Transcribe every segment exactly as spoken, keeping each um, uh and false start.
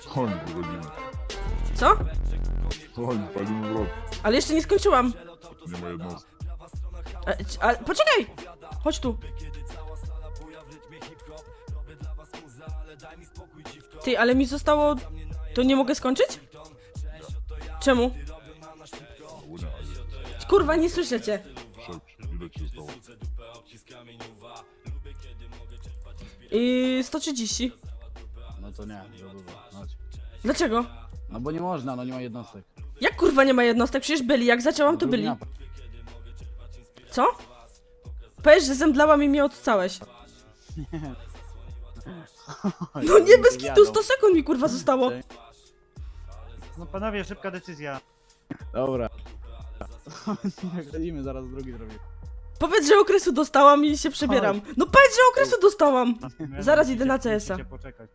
Chodź, wychodzimy. Co? Chodź, palimy wrot. Ale jeszcze nie skończyłam. Nie ma jednostki. A, a, poczekaj! Chodź tu. Ty, ale mi zostało... To nie mogę skończyć? Czemu? Bo nie, ale Kurwa, nie słyszę cię. szepcie. Ile ci zostało? I sto trzydzieści. No to nie, za dużo. Chodź. Dlaczego? No bo nie można, no nie ma jednostek. Jak kurwa nie ma jednostek? Przecież byli, jak zaczęłam to Drugi byli. napad. Co? Powiesz, że zemdlałam i mnie odcałeś. No nie, bez kitu, sto sekund mi kurwa zostało. No panowie, szybka decyzja. Dobra. Chodzimy, zaraz drugi zrobię. Powiedz, że okresu dostałam i się przebieram. No powiedz, że okresu dostałam. Zaraz idę na C S a. Musicie poczekać.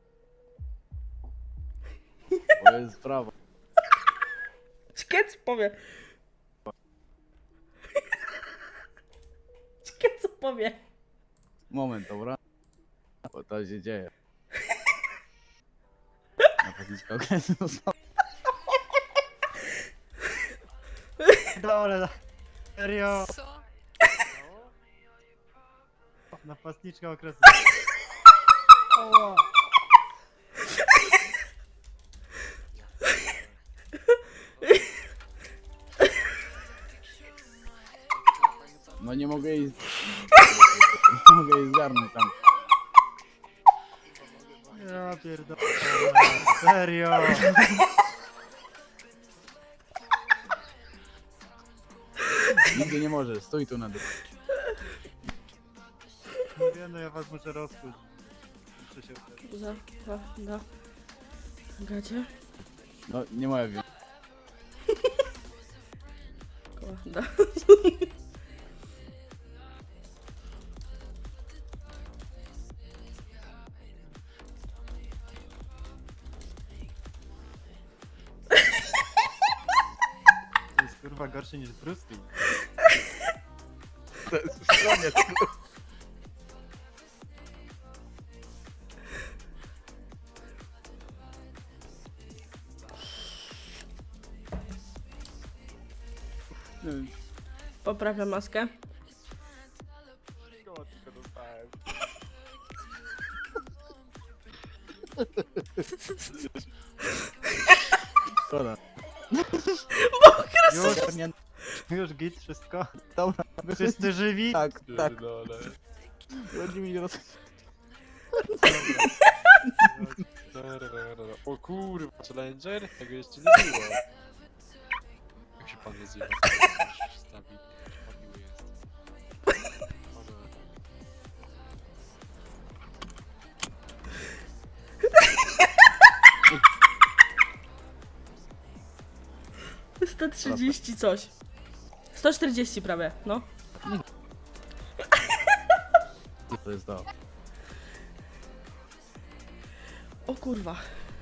To jest sprawa. Szkiec powie. Szkiec powie. Moment, dobra? Bo to się dzieje. Napastniczka okresu została. Dole, serio. Co? Napastniczka okresu. No nie mogę jej... Nie mogę jej zgarnąć tam. Ja pierdolę. Serio. Nigdy nie możesz, stój tu na dół. Mówię, no ja was muszę rozkuć. Muszę się... Za, za, da. Gacie. No nie moja wina. Koła, da. To jest kurwa gorszy niż Bruski. To jest w stronie. Poprawiam maskę. Szkoda. Już, już git, wszystko. Dobra, Wszyscy żywi? tak, tak. Pierdolę. Chodzi mi roz... O kurwa, Challenger? Tego jeszcze nie było. Jak się pan nazywa? Stawi. Miły jest. sto trzydzieści coś. sto czterdzieści prawie, no. To jest to. O kurwa.